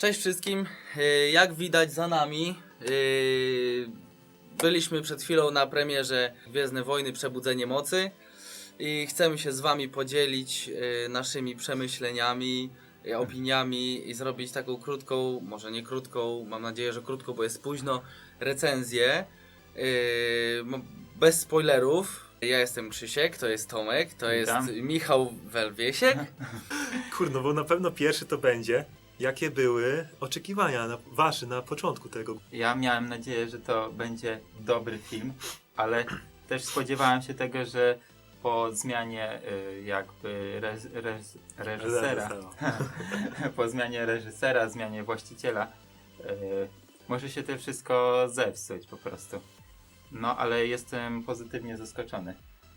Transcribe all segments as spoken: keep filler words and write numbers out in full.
Cześć wszystkim, Yy, jak widać za nami, yy, byliśmy przed chwilą na premierze Gwiezdne Wojny Przebudzenie Mocy i chcemy się z wami podzielić yy, naszymi przemyśleniami, yy, opiniami i zrobić taką krótką, może nie krótką, mam nadzieję, że krótką, bo jest późno, recenzję, yy, bez spoilerów. Ja jestem Krzysiek, to jest Tomek, to Witam. jest Michał Welwiesiek. Kurno, bo na pewno pierwszy to będzie. Jakie były oczekiwania na, wasze na początku tego? Ja miałem nadzieję, że to będzie dobry film, ale też spodziewałem się tego, że po zmianie y, jakby rez, rez, reżysera, po zmianie reżysera, zmianie właściciela, y, może się to wszystko zepsuć po prostu. No, ale jestem pozytywnie zaskoczony.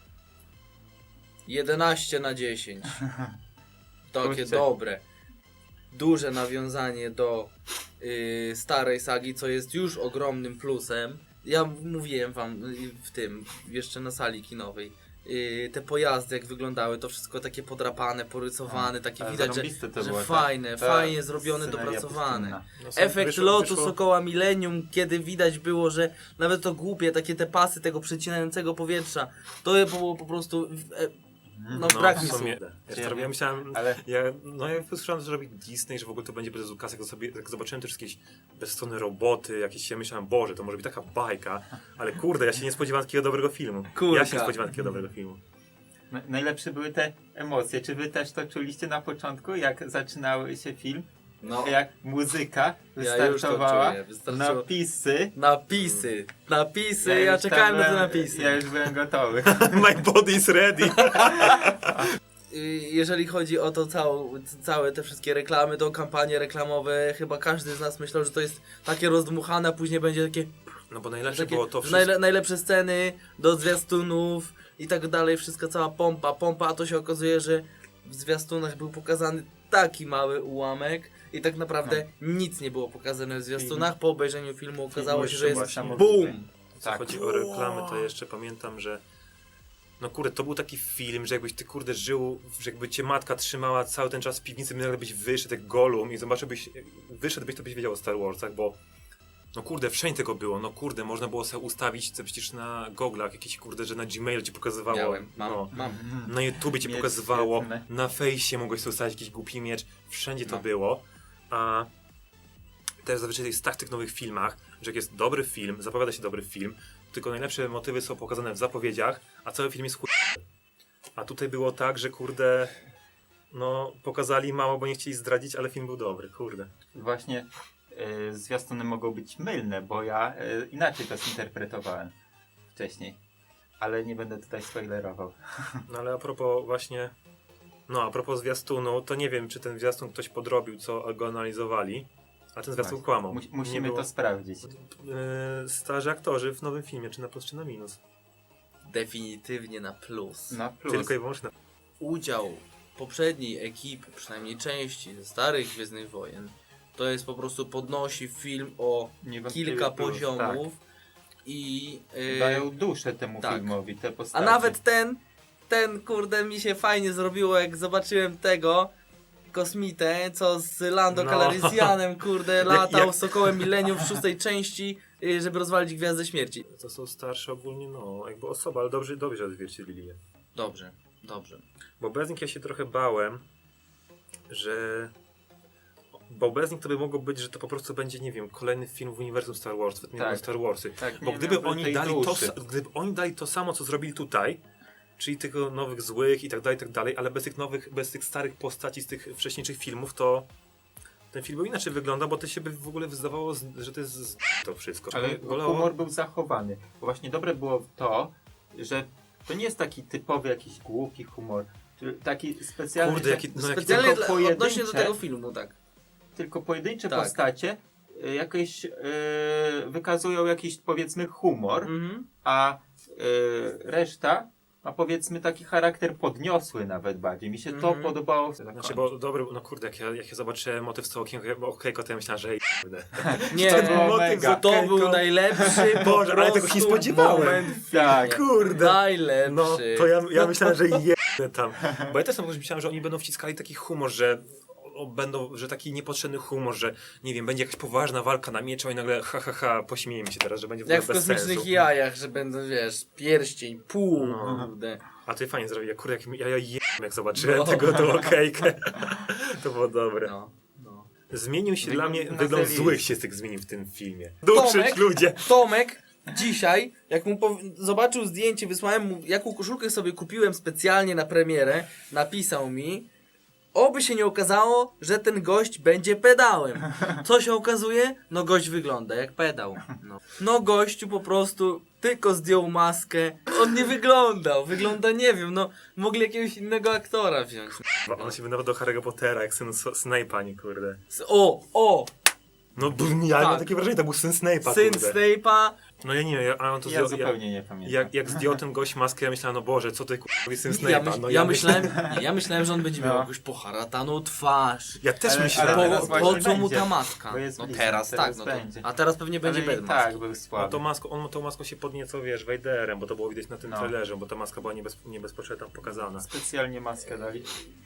jedenaście na dziesięć. Takie Kurczę. dobre. Duże nawiązanie do y, starej sagi, co jest już ogromnym plusem. Ja mówiłem wam y, w tym, jeszcze na sali kinowej. Y, te pojazdy jak wyglądały, to wszystko takie podrapane, porysowane, A, takie ale widać, że, zarąbiste to że było, ta- fajne, ta fajnie zrobione, sceneria dopracowane. pustynna. No, są- Efekt wyszło- lotu wyszło- Sokoła Millennium, kiedy widać było, że nawet to głupie, takie te pasy tego przecinającego powietrza, to było po prostu... E, no, brak mi w sumie- słów. Ja, ja myślałem, Ale ja, no ja słyszałem, że robi Disney, że w ogóle to będzie bez ukaz, jak, sobie, jak zobaczyłem też jakieś bezstronne roboty, jakieś, ja myślałem, Boże, to może być taka bajka, ale kurde, ja się nie spodziewałem takiego dobrego filmu. Kurka. Ja się nie spodziewałem takiego dobrego filmu. na- najlepsze były te emocje. Czy wy też to czuliście na początku, jak zaczynały się film? No, Jak muzyka ja już to wystartowała, czuję, wystarczyło. napisy. Napisy, napisy, ja, już tam czekałem na te byłem- napisy. Ja już byłem gotowy. My body is ready. Y, Jeżeli chodzi o to całą, całe te wszystkie reklamy, to kampanie reklamowe, chyba każdy z nas myślał, że to jest takie rozdmuchane, a później będzie takie, No bo najlepsze takie było to że wszystko. najle, najlepsze sceny do zwiastunów i tak dalej, wszystko cała pompa, pompa, a to się okazuje, że w zwiastunach był pokazany taki mały ułamek i tak naprawdę nic nie było pokazane w zwiastunach. Po obejrzeniu filmu okazało się, że jest właśnie. BOOM! Co Tak. chodzi o reklamy, to jeszcze pamiętam, że no kurde, to był taki film, że jakbyś ty kurde żył, że jakby cię matka trzymała cały ten czas w piwnicy, nagle byś wyszedł jak Gollum i zobaczyłbyś, wyszedłbyś, to byś wiedział o Star Warsach, bo no kurde, wszędzie tego było, no kurde, można było sobie ustawić to przecież na goglach, jakieś kurde, że na Gmailu ci pokazywało, Miałem, mam, no, mam. na YouTubie ci Miecz pokazywało, świetny. na fejsie mogłeś sobie ustawić jakiś głupi miecz, wszędzie to No. było, a też zazwyczaj jest tak w tych nowych filmach, że jak jest dobry film, zapowiada się dobry film, tylko najlepsze motywy są pokazane w zapowiedziach, a cały film jest chuj. A tutaj było tak, że kurde, no pokazali mało, bo nie chcieli zdradzić, ale film był dobry, kurde. Właśnie y, zwiastuny mogą być mylne, bo ja y, inaczej to zinterpretowałem wcześniej. Ale nie będę tutaj spoilerował. No ale a propos właśnie, no a propos zwiastunu, to nie wiem, czy ten zwiastun ktoś podrobił, co go analizowali, a ten zwiastun Właśnie. kłamał. Mu- Nie musimy było- to sprawdzić. Yy, starzy aktorzy w nowym filmie, czy na plus, czy na minus. Definitywnie na plus. Na plus. Tylko i wyłącznie na Udział poprzedniej ekipy, przynajmniej części ze starych Gwiezdnych Wojen, to jest po prostu podnosi film o Niewątpliwie kilka plus, poziomów i Tak. yy, Dają duszę temu tak. filmowi, te a postacie. nawet ten, ten kurde mi się fajnie zrobiło, jak zobaczyłem tego kosmitę, co z Lando No. Calrissianem kurde latał jak- Sokołem Millennium w szóstej części, yy, żeby rozwalić Gwiazdę Śmierci. To są starsze ogólnie, no, jakby osoba, ale dobrze, dobrze odzwierciedlili je. Dobrze, dobrze. Bo bez nich ja się trochę bałem, że... Bo bez nich to by mogło być, że to po prostu będzie, nie wiem, kolejny film w uniwersum Star Wars, tak. Tak. Star Warsy. Tak, Bo nie gdyby miałby oni, tej dali to, duszy. sa- gdyby oni dali to samo, co zrobili tutaj, czyli tych nowych złych i tak dalej, i tak dalej, ale bez tych nowych, bez tych starych postaci z tych wcześniejszych filmów, to ten film by inaczej wygląda, bo to się by w ogóle wydawało, z- że to jest z... to wszystko. Ale Wolało- humor był zachowany. Bo właśnie dobre było to, że to nie jest taki typowy jakiś głupi humor. czy Taki specjalny, Kurde, że jaki, no, jaki Specjalnie tylko dla, pojedyncze- odnośnie do tego filmu, tak. tylko pojedyncze Tak. postacie y, jakieś y, wykazują jakiś powiedzmy humor, Mhm. a y, reszta ma powiedzmy taki charakter podniosły nawet bardziej. Mi się to Mhm. podobało. Znaczy, bo dobry, no kurde, jak ja, jak ja zobaczyłem motyw z tą okienko, okejko, to ja myślałem, że ej, kurde. Nie, To było to, mega. to był najlepszy po Boże, ale tego się nie prostu spodziewałem. moment w Tak. filmie. Kurde. Najlepszy. No, to ja, ja myślałem, że jedne tam. Bo ja też tam myślałem, że oni będą wciskali taki humor, że o, będą, że taki niepotrzebny humor, że nie wiem, będzie jakaś poważna walka na mieczu i nagle ha ha ha, pośmiejemy się teraz, że będzie w Jak ogóle w bez kosmicznych sensu. jajach, że będą, wiesz, pierścień, pół, No. kurde. A ty fajnie zrobił, ja kurde, jak, ja, ja jem, jak zobaczyłem No. tego tą okejkę. To było dobre. No, no. Zmienił się Wygląd dla mnie, na wygląd serii. złych się z tych zmienił w tym filmie. Duszyć Tomek? ludzie. Tomek dzisiaj, jak mu pow- zobaczył zdjęcie, wysłałem mu, jaką koszulkę sobie kupiłem specjalnie na premierę, napisał mi, oby się nie okazało, że ten gość będzie pedałem. Co się okazuje? No gość wygląda jak pedał. No, no gościu po prostu tylko zdjął maskę. On nie wyglądał. Wygląda, nie wiem, no mogli jakiegoś innego aktora wziąć. On się wydawał do Harry'ego Pottera, jak syn S- Snape'a, nie kurde. O, o, No b- ja Tak. mam takie wrażenie, to był syn Snape'a, syn kurde. Snape'a. No ja nie wiem, ja, a on to Ja zdjął, ja, zupełnie nie pamiętam. jak, jak zdjął ten gość maskę, ja myślałem, no Boże, co ty kurde syn Snape'a. Ja, myśl, no, ja, myślę- myślałem, nie, ja myślałem, że on będzie miał No. jakąś poharataną twarz. Ja też Ale- myślałem. ale Po, teraz po właśnie co mu będzie, ta maska? bo jest No blisko, teraz, teraz tak, no to, będzie. a teraz pewnie będzie Ale bez i maski. tak był On słaby. tą maską, on tą maską się podnieco, wiesz, Vaderem, bo to było widać na tym No. trailerze, bo ta maska była niebez, niebezpośrednio tam pokazana. Specjalnie maskę dali.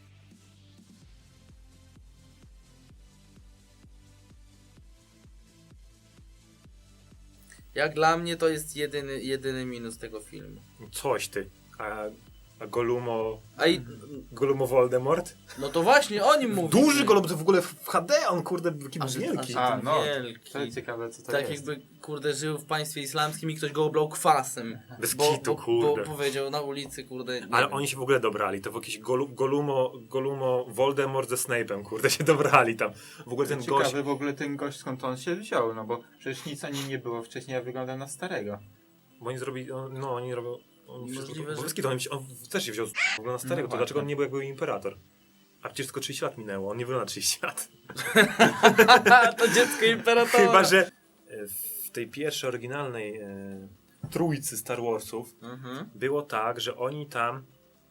Jak dla mnie to jest jedyny, jedyny minus tego filmu. Coś ty. A, a Golumo... A i, Golumo Voldemort? no to właśnie o nim mówię. Duży Golum, to w ogóle w H D, on kurde jaki był wielki. A, A, no, wielki. to ciekawe co to Tak jest. jakby, kurde, żył w państwie islamskim i ktoś go oblał kwasem. Bez Bo, kitu, bo, bo kurde. powiedział na ulicy, kurde, nie Ale wiem. oni się w ogóle dobrali, to w jakieś Golu, Golumo, Golumo Voldemort ze Snape'em, kurde, się dobrali tam. W ogóle ten Ciekawy gość... w ogóle ten gość skąd on się wziął, no bo przecież nic o nim nie było wcześniej, a wygląda na starego. Bo oni zrobili, no oni robią... Oni Możliwe, wszystko, że- bo wszystkie to on, się- on też się wziął z w ogóle na starego, No to dlaczego właśnie. on nie był jak był imperator? A przecież tylko trzydzieści lat minęło, on nie wygląda na trzydzieści lat. To dziecko imperatora. Chyba, że e, w tej pierwszej oryginalnej e, trójcy Star Warsów Mhm. było tak, że oni tam...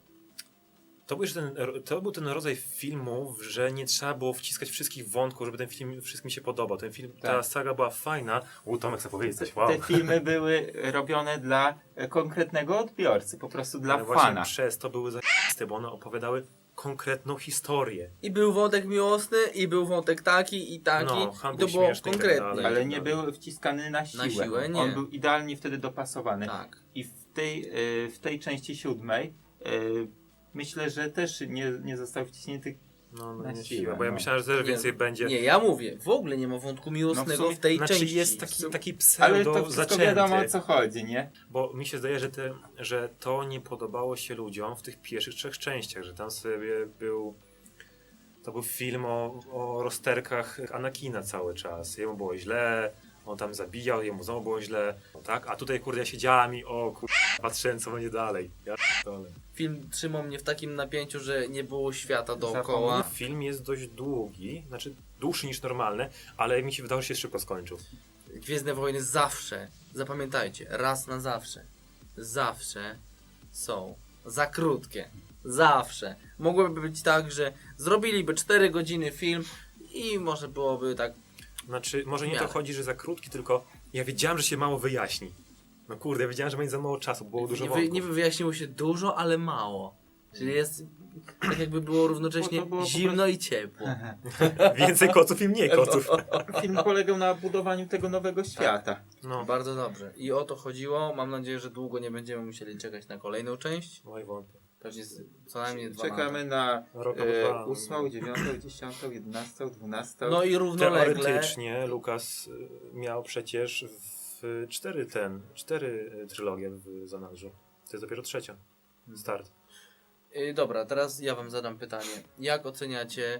To był, już ten, to był ten rodzaj filmów, że nie trzeba było wciskać wszystkich wątków, żeby ten film wszystkim się podobał. Ten film, ta Tak. saga była fajna. U, Tomek chce powiedzieć coś, Te, wow. te filmy były robione dla e, konkretnego odbiorcy, po prostu dla Ale właśnie fana. przez to były zajebiste, bo one opowiadały konkretną historię. I był wątek miłosny, i był wątek taki, i taki. No, I Han to był było śmieszny i tak konkretnie. dalej. Ale nie był wciskany na siłę. Na siłę, nie. On był idealnie wtedy dopasowany. Tak. I w tej, e, w tej części siódmej e, myślę, że też nie, nie został wciśnięty. No, no Na nie siłę, siła, bo ja no. myślałem, że też Nie, więcej będzie. Nie, ja mówię, w ogóle nie ma wątku miłosnego No w sumie- w tej Znaczy części. jest taki, taki Ale pseudo to wszystko zaczęty. wiadomo o co chodzi, nie? Bo mi się zdaje, że, te, że to nie podobało się ludziom w tych pierwszych trzech częściach, że tam sobie był... To był film o, o rozterkach Anakina cały czas. Jemu było źle, on tam zabijał, jemu znowu było źle, no tak? A tutaj kurde ja siedziałem i o kurde, patrzyłem co będzie dalej. Ja p***dolę. Film trzymał mnie w takim napięciu, że nie było świata dookoła. Film jest dość długi, znaczy dłuższy niż normalny, ale mi się wydało, że się szybko skończył. Gwiezdne Wojny zawsze, zapamiętajcie, raz na zawsze, zawsze są za krótkie. Zawsze. Mogłoby być tak, że zrobiliby cztery godziny film i może byłoby tak. Znaczy, może nie W to miarę. chodzi, że za krótki, tylko ja wiedziałem, że się mało wyjaśni. No kurde, ja wiedziałem, że będzie za mało czasu, było dużo Niby, wątków. niby wyjaśniło się dużo, ale mało. Czyli jest tak jakby było równocześnie Bo to było po zimno i ciepło. Więcej koców i mniej koców. Film polegał na budowaniu tego nowego świata. No, Bardzo dobrze. I o to chodziło. Mam nadzieję, że długo nie będziemy musieli czekać na kolejną część. oj wątpię. Pewnie z, co najmniej dwa Czekamy lata. na Rok albo e, dwa. ósmą, dziewiątą, dziesiątą, jedenastą, dwunastą. No i równolegle. Teoretycznie Lukas y, miał przecież w cztery ten, cztery y, trylogie w zanadrzu. To jest dopiero trzecia. Start. Yy, dobra, teraz ja wam zadam pytanie. Jak oceniacie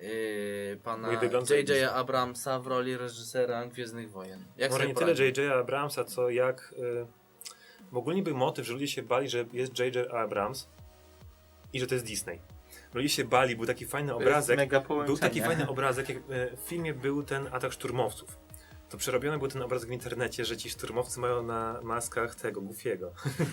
yy, pana Mój wygląd J J zajebisty. Abramsa w roli reżysera Gwiezdnych Wojen? Jak Może sobie nie tyle poradził? J J Abramsa, co jak... Y, w ogóle był motyw, że ludzie się bali, że jest J J Abrams i że to jest Disney. Ludzie się bali, był taki fajny To jest obrazek. mega Był połączenie. taki fajny obrazek, jak e, w filmie był ten atak szturmowców. To przerobiony był ten obrazek w internecie, że ci szturmowcy mają na maskach tego, Goofiego.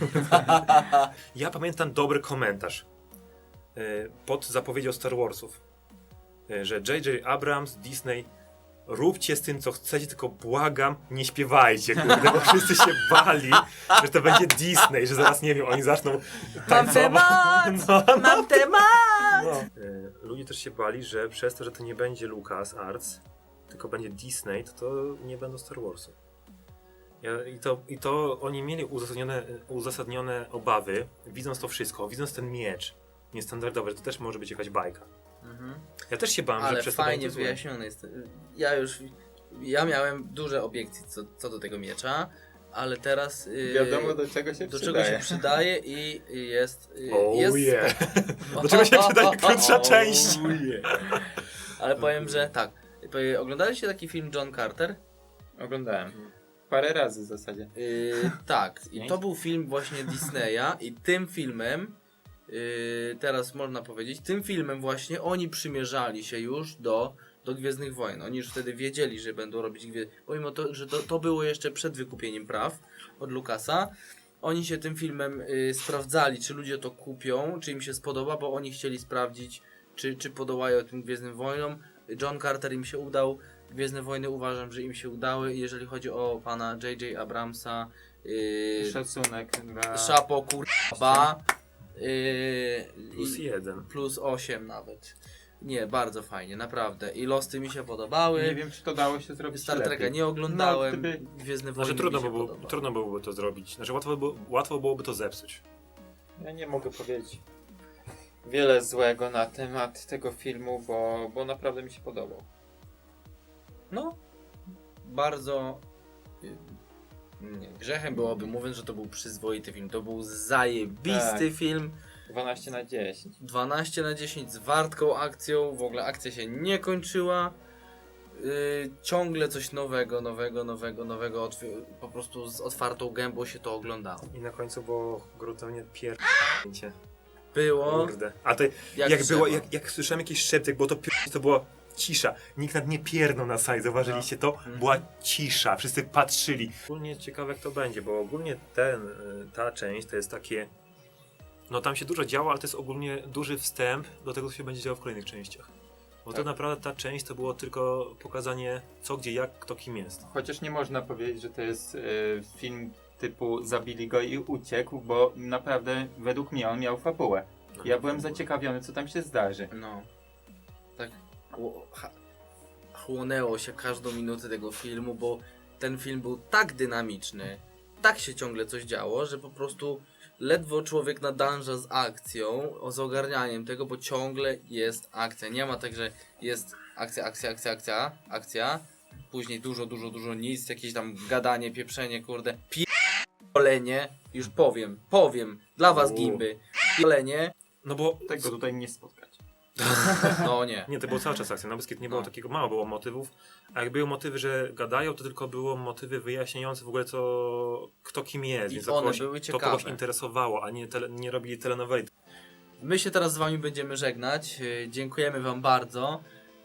Ja pamiętam dobry komentarz e, pod zapowiedzią Star Warsów, e, że J J Abrams, Disney róbcie z tym, co chcecie, tylko błagam, nie śpiewajcie, kurde, bo wszyscy się bali, że to będzie Disney, że zaraz, nie wiem, oni zaczną Mam tańcować. temat! No, no, Mam temat! no. E, Ludzie też się bali, że przez to, że to nie będzie LucasArts, tylko będzie Disney, to to nie będą Star Warsy. Ja, i, to, I to oni mieli uzasadnione, uzasadnione obawy, widząc to wszystko, widząc ten miecz niestandardowy, że to też może być jakaś bajka. Mhm. Ja też się bałem, że Ale przez to fajnie będzie złe. wyjaśnione jest. Ja już, ja miałem duże obiekcje co, co do tego miecza, ale teraz yy, Wiadomo do czego się do przydaje. czego się przydaje i i jest... Yy, Oh jest yeah. spoko- Do czego się przydaje krótsza Oh część? yeah. Ale powiem, że tak. Powie- Oglądaliście taki film John Carter? Oglądałem. Parę razy w zasadzie. Yy, tak, i Pięć? to był film właśnie Disneya i tym filmem, yy, teraz można powiedzieć, tym filmem właśnie oni przymierzali się już do, do Gwiezdnych Wojen. Oni już wtedy wiedzieli, że będą robić Gwiezdne, pomimo to, że to, to było jeszcze przed wykupieniem praw od Lucasa. Oni się tym filmem yy, sprawdzali, czy ludzie to kupią, czy im się spodoba, bo oni chcieli sprawdzić, czy, czy podołają tym Gwiezdnym Wojnom. John Carter im się udał. Gwiezdne Wojny uważam, że im się udały. Jeżeli chodzi o pana J J Abramsa, yy, Szacunek dla... Szapo kurwa, yy, Plus i- jeden. plus osiem nawet. Nie, bardzo fajnie, naprawdę. I Losty mi się podobały. Nie wiem, czy to dało się zrobić Star Treka lepiej. nie oglądałem. No, gdyby- Gwiezdne Wojny Znaczy trudno, mi się by było, podobały. trudno byłoby to zrobić. Znaczy łatwo, by, łatwo byłoby to zepsuć. Ja nie mogę powiedzieć wiele złego na temat tego filmu, bo, bo naprawdę mi się podobał. No, bardzo... yy, Nie, grzechem byłoby mówiąc, że to był przyzwoity film. To był zajebisty Tak. film. dwanaście na dziesięć. dwanaście na dziesięć z wartką akcją, w ogóle akcja się nie kończyła. Yy, ciągle coś nowego, nowego, nowego, nowego, otw- po prostu z otwartą gębą się to oglądało. I na końcu było gruntownie pierdolnięcie. Było Kurde. A to jak, jak, trzeba. było, jak, jak słyszałem jakiś szeptek, bo to pier- to była cisza. Nikt nad nie pierdnął na sali, zauważyliście to? Mhm. Była cisza, wszyscy patrzyli. Ogólnie ciekawe jak to będzie, bo ogólnie ten, y, ta część to jest takie... No tam się dużo działo, ale to jest ogólnie duży wstęp do tego, co się będzie działo w kolejnych częściach. Bo Tak. to naprawdę ta część to było tylko pokazanie co, gdzie, jak, kto kim jest. Chociaż nie można powiedzieć, że to jest y, film typu zabili go i uciekł, bo naprawdę według mnie on miał fabułę. Ja byłem zaciekawiony, co tam się zdarzy. No. Tak chło- ha- chłonęło się każdą minutę tego filmu, bo ten film był tak dynamiczny, tak się ciągle coś działo, że po prostu ledwo człowiek nadąża z akcją, o- z ogarnianiem tego, bo ciągle jest akcja. Nie ma tak, że jest akcja, akcja, akcja, akcja, akcja, później dużo, dużo, dużo nic, jakieś tam gadanie, pieprzenie, kurde, pierdolenie, już powiem, powiem, dla was U. gimby, pierdolenie, No bo Tego tutaj nie spotkać. no nie. nie, to było cały czas akcja. Na Beskid nie było No. takiego, mało było motywów. A jak były motywy, że gadają, to tylko było motywy wyjaśniające w ogóle co, kto kim jest. I więc to one kogoś, były to kogoś ciekawe. interesowało, a nie, tele, nie robili telenoweli. My się teraz z wami będziemy żegnać. Yy, dziękujemy wam bardzo.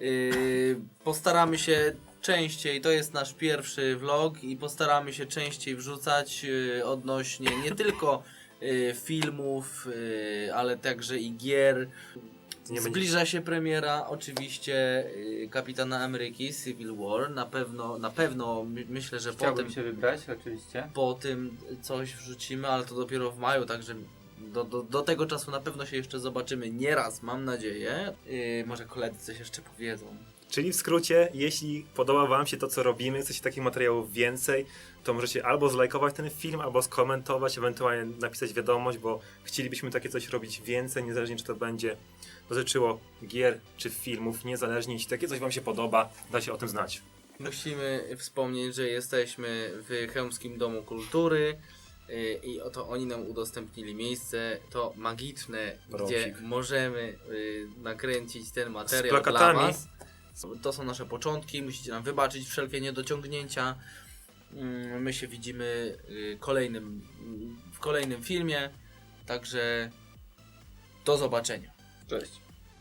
Yy, postaramy się częściej, to jest nasz pierwszy vlog i postaramy się częściej wrzucać yy, odnośnie nie tylko yy, filmów, yy, ale także i gier. Nie Zbliża się premiera oczywiście yy, Kapitana Ameryki Civil War. Na pewno, na pewno my, myślę, że Chciałbym potem się wybrać, oczywiście. po tym coś wrzucimy, ale to dopiero w maju, także do, do, do tego czasu na pewno się jeszcze zobaczymy nieraz, mam nadzieję. Yy, może koledzy coś jeszcze powiedzą. Czyli w skrócie, jeśli podoba wam się to, co robimy, chcecie takich materiałów więcej, to możecie albo zlajkować ten film, albo skomentować, ewentualnie napisać wiadomość, bo chcielibyśmy takie coś robić więcej, niezależnie czy to będzie dotyczyło gier czy filmów, niezależnie jeśli takie coś wam się podoba, dajcie o tym znać. Musimy wspomnieć, że jesteśmy w Chełmskim Domu Kultury yy, i oto oni nam udostępnili miejsce, to magiczne, gdzie Brosik. możemy yy, nakręcić ten materiał Z plakatami. dla was. To są nasze początki, musicie nam wybaczyć wszelkie niedociągnięcia. Mm, My się widzimy y, kolejnym, w kolejnym filmie, także do zobaczenia. Cześć.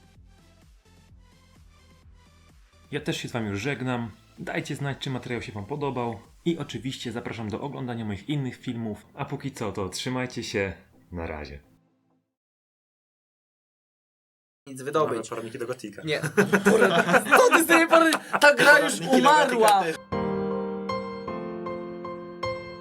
Ja też się z wami już żegnam. Dajcie znać, czy materiał się wam podobał. I oczywiście zapraszam do oglądania moich innych filmów. A póki co, to trzymajcie się. Na razie. nic Mamy wydobyć. poradniki do Gotika. Nie. Co ty z tymi pory... Ta gra już umarła!